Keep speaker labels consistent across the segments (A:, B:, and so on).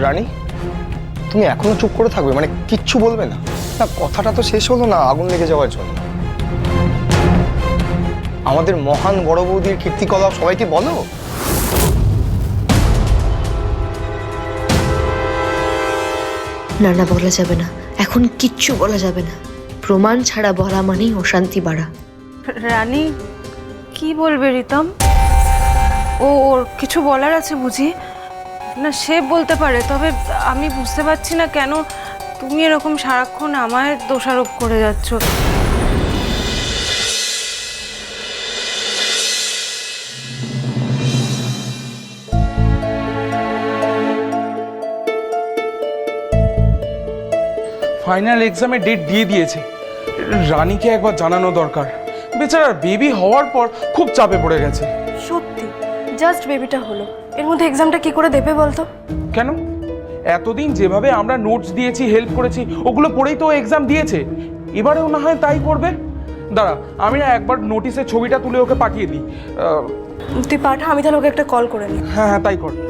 A: রানী, তুমি এখনো চুপ করে থাকবে? মানে কিচ্ছু বলবে না? না, কথাটা তো শেষ হলো না আগুন লেগে যাওয়ার জন্য। আমাদের মহান বড় বৌদির কীর্তিকলাপ সবাইকে বলো।
B: না না, বলা যাবে না, এখন কিচ্ছু বলা যাবে না। প্রমাণ ছাড়া বলা মানেই অশান্তি বাড়া।
C: রানী কি বলবে রিতম? ওর কিছু বলার আছে বুঝি? না সে বলতে পারে, তবে আমি বুঝতে পারছি না কেন তুমি এরকম সারাক্ষণ আমায় দোষারোপ করে যাচ্ছ।
D: ফাইনাল এক্সামে ডেট দিয়ে দিয়েছে, রানীকে একবার জানানো দরকার। বেচারার বেবি হওয়ার পর খুব চাপে পড়ে গেছে।
E: সত্যি জাস্ট বেবিটা হলো, এর মধ্যে এক্সামটা কি করে দেবে বলতো?
D: কেন? এতদিন যেভাবে আমরা নোটস দিয়েছি, হেল্প করেছি, ওগুলো পড়েই তো এক্সাম দিয়েছে। এবারেও না হয় তাই করবে। দাঁড়া, আমি না একবার নোটিসের ছবিটা তুলে ওকে পাঠিয়ে দিই।
E: তুই পাঠা, আমি তাহলে ওকে একটা কল করে নিই।
D: হ্যাঁ হ্যাঁ, তাই কর।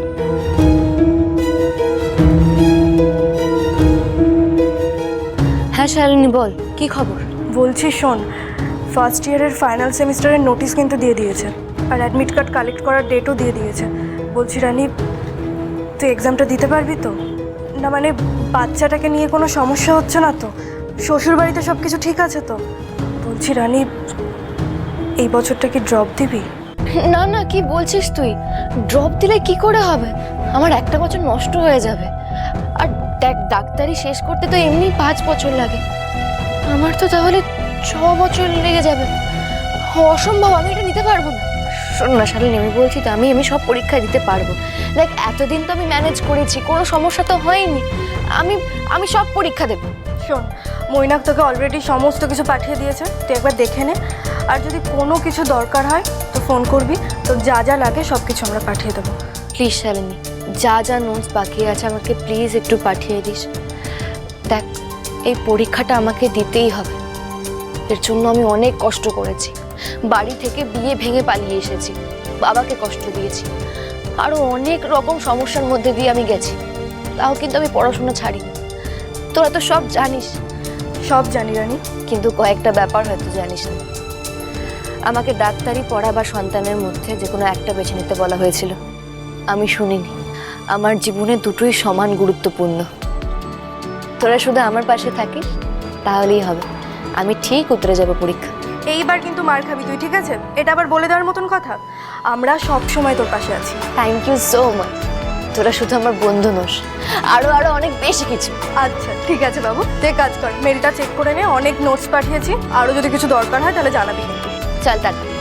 B: হ্যাঁ শালিনী, বল কি খবর?
E: বলছি শোন, ফার্স্ট ইয়ারের ফাইনাল সেমিস্টারের নোটিশ কিন্তু দিয়ে দিয়েছে, আর অ্যাডমিট কার্ড কালেক্ট করার ডেটও দিয়ে দিয়েছে। বলছি রানী, তুই এক্সামটা দিতে পারবি তো? না মানে বাচ্চাটাকে নিয়ে কোনো সমস্যা হচ্ছে না তো? শ্বশুর বাড়িতে সব কিছু ঠিক আছে তো? বলছি রানী, এই বছরটা কি ড্রপ দিবি?
B: না না, কি বলছিস তুই? ড্রপ দিলে কি করে হবে? আমার একটা বছর নষ্ট হয়ে যাবে। আর দেখ, ডাক্তারি শেষ করতে তো এমনি 5 বছর লাগে, আমার তো তাহলে 6 বছর লেগে যাবে। অসম্ভব, আমি এটা নিতে পারবো না। শোন না শালিনী, আমি বলছি তো, আমি সব পরীক্ষা দিতে পারবো। দেখ, এতদিন তো আমি ম্যানেজ করেছি, কোনো সমস্যা তো হয়নি। আমি সব পরীক্ষা দেবো।
E: শোন, মৈনাক তোকে অলরেডি সমস্ত কিছু পাঠিয়ে দিয়েছে, তুই একবার দেখে নে। আর যদি কোনো কিছু দরকার হয় তো ফোন করবি, তো যা যা লাগে সব কিছু আমরা পাঠিয়ে দেবো।
B: প্লিজ শালিনী, যা যা নোটস বাকি আছে আমাকে প্লিজ একটু পাঠিয়ে দিস। দেখ, এই পরীক্ষাটা আমাকে দিতেই হবে। এর জন্য আমি অনেক কষ্ট করেছি, বাড়ি থেকে বিয়ে ভেঙে পালিয়ে এসেছি, বাবাকে কষ্ট দিয়েছি, আরও অনেক রকম সমস্যার মধ্যে দিয়ে আমি গেছি। তাও কিন্তু আমি পড়াশোনা ছাড়িনি। তোরা তো সব জানিস।
E: সব জানি রানী,
B: কিন্তু কয়েকটা ব্যাপার হয়তো জানিস না। আমাকে ডাক্তারি পড়া বা সন্তানের মধ্যে যে কোনো একটা বেছে নিতে বলা হয়েছিল, আমি শুনিনি। আমার জীবনে দুটোই সমান গুরুত্বপূর্ণ। তোরা শুধু আমার পাশে থাকিস তাহলেই হবে, আমি ঠিক উতরে যাব পরীক্ষা।
E: এইবার কিন্তু মার খাবি তুই, ঠিক আছে? এটা আবার বলে দেওয়ার মতন কথা? আমরা সব সময় তোর পাশে আছি।
B: Thank you so much. তোরা শুধু আমার বন্ধু নোস, আরো অনেক বেশি কিছু।
E: আচ্ছা ঠিক আছে বাবু, তুই কাজ কর, মেলটা চেক করে নে, অনেক নোটস পাঠিয়েছি, আরও যদি কিছু দরকার হয় তাহলে জানাবি কিন্তু।
B: চল টাটা।